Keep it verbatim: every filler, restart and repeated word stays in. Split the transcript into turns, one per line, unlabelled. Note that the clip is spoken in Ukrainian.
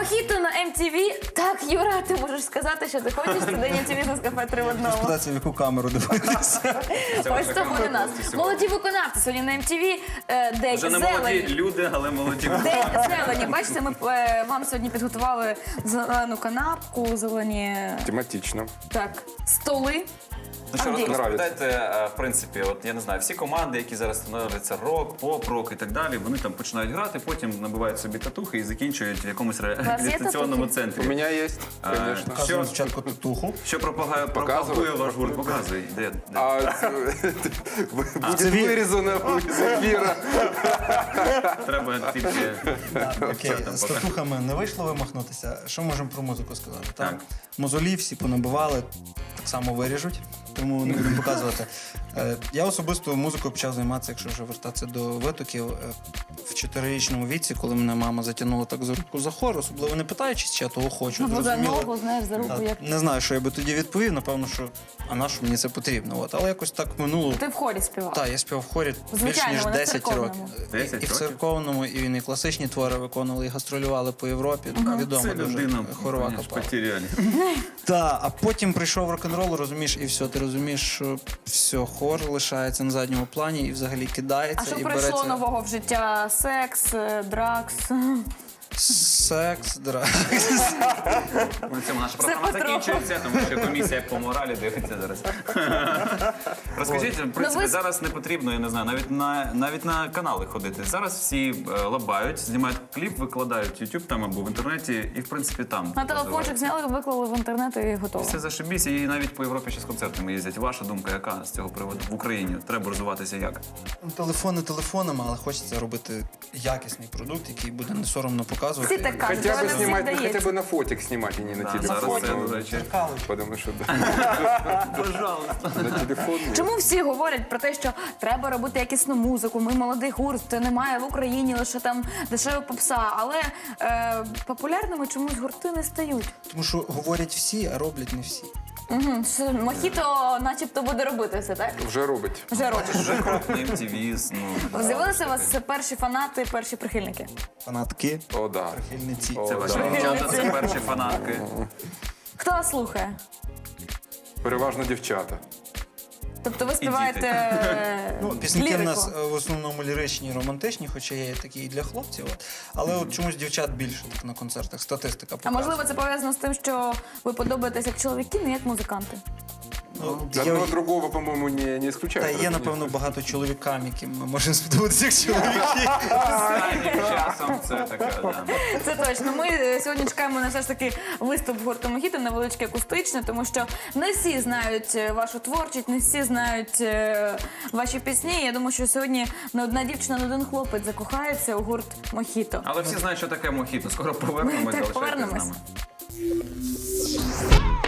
Мохіто на ем ті ві. Так, Юра, ти можеш сказати, що ти хочеш сюди ем ті ві з кафе три в одному.
Спитатися, в яку камеру дивитися.
Ось того у нас. Молоді виконавці сьогодні на ем ті ві. е, День
Вже не молоді
зелені.
люди, але молоді.
День зелені. Бачите, ми е, вам сьогодні підготували зелену канапку, зелені
Тематично.
так, столи.
Ну що,
Андрій.
розповідайте, е, в принципі, от я не знаю, всі команди, які зараз становляться рок, поп, рок і так далі, вони там починають грати, потім набивають собі татухи і закінчують в якомусь реабілітаційному
татухи?
центрі.
У меня есть,
А,
конечно.
Що,
Показуємо спочатку татуху.
що пропагає, пропагує ваш гурт? Показуй. Де, де?
А, будет вырезано из эфира.
Треба тільки...
Окей,
Що там
з
поки?
татухами не вийшло вимахнутися. Що можемо про музику сказати?
Так.
Там мозолі всі понабивали, так само виріжуть, тому не будемо показувати. Е, Я особисто музикою почав займатися, якщо вже вертатися до витоків, е, в чотирирічному віці, коли мене мама затягнула так за руку за хор, особливо не питаючись, чи я того хочу.
Ну, за
зрозуміло.
ногу, знаєш, за руку
Та,
як.
Не знаю, що я би тоді відповів, напевно, що а на що мені це потрібно. От. Але якось так минуло.
Ти в хорі співав.
Так, я співав в хорі більш
Звичайно,
ніж
вона в
десять
церковному.
років.
десять
І, і в
років?
церковному, і він і класичні твори виконували, і гастролювали по Європі. Відомо
Це
дуже
людина,
хорова
конечно,
капала.
потеряли.
Так, а потім прийшов рок-н-рол, розумієш, і все, ти розумієш, що все, хор лишається на задньому плані і взагалі кидається.
А що
і
прийшло
береться
нового в життя? Секс, е, дракс.
секс, драк.
На цьому наша програма
потроху.
закінчується, тому що комісія по моралі дивиться зараз. Розкажіть, в принципі,
Ну, ви-
зараз не потрібно, я не знаю, навіть на, навіть на канали ходити. Зараз всі е, лабають, знімають кліп, викладають в YouTube там або в інтернеті, і в принципі там.
На телефончик зняли, виклали в інтернет і готово.
Все зашибісь, і навіть по Європі ще з концертами їздять. Ваша думка, яка з цього приводу в Україні? Треба розвиватися як?
Телефони телефонами, але хочеться робити якісний продукт, який буде не соромно показувати.
Всі так кажуть,
Хотя
але
бы
не всім
снимать, ну,
вдається.
хотя бы на фотик снимать, а не на
Да,
телефон.
зараз це,
Ну,
до речі.
Потому что да,
Пожалуйста.
на телефон. нет.
Чому всі говорять про те, що треба робити якісну музику, ми молодий гурт, немає в Україні лише там дешева попса, але е, популярними чомусь гурти не стають.
Тому що говорять всі, а роблять не всі.
Угу. Мохіто начебто буде робити все, так?
Вже робить.
Вже робить.
Вже крок на ем ті ві, ну...
З'явилися у вас перші фанати, перші прихильники?
Фанатки,
О, да.
прихильниці.
О,
Це ваші
да.
дівчата, це перші фанатки.
Хто вас слухає?
Переважно дівчата.
Тобто ви співаєте е,
Ну, пісеньки в
лірику?
нас е, в основному ліричні і романтичні, хоча є такі і для хлопців. От. Але от чомусь дівчат більше так на концертах. Статистика
А
показує.
можливо це пов'язано з тим, що ви подобаєтесь як чоловіки, не як музиканти?
Ну, є,
Одного другого, по-моему, не, не исключает.
та є, напевно, багато чоловікам, яким ми можемо сподобатися як чоловіки.
Останнім часом це таке, да.
Це точно. Ми е, сьогодні чекаємо на все ж таки виступ гурту Мохіто, невеличке акустичне, тому що не всі знають е, вашу творчість, не всі знають е, ваші пісні. Я думаю, що сьогодні не одна дівчина, не один хлопець закохається у гурт Мохіто.
Але всі знають, що таке мохіто. Скоро повернемось,
Так,
залишайтесь з
повернемось.
нами.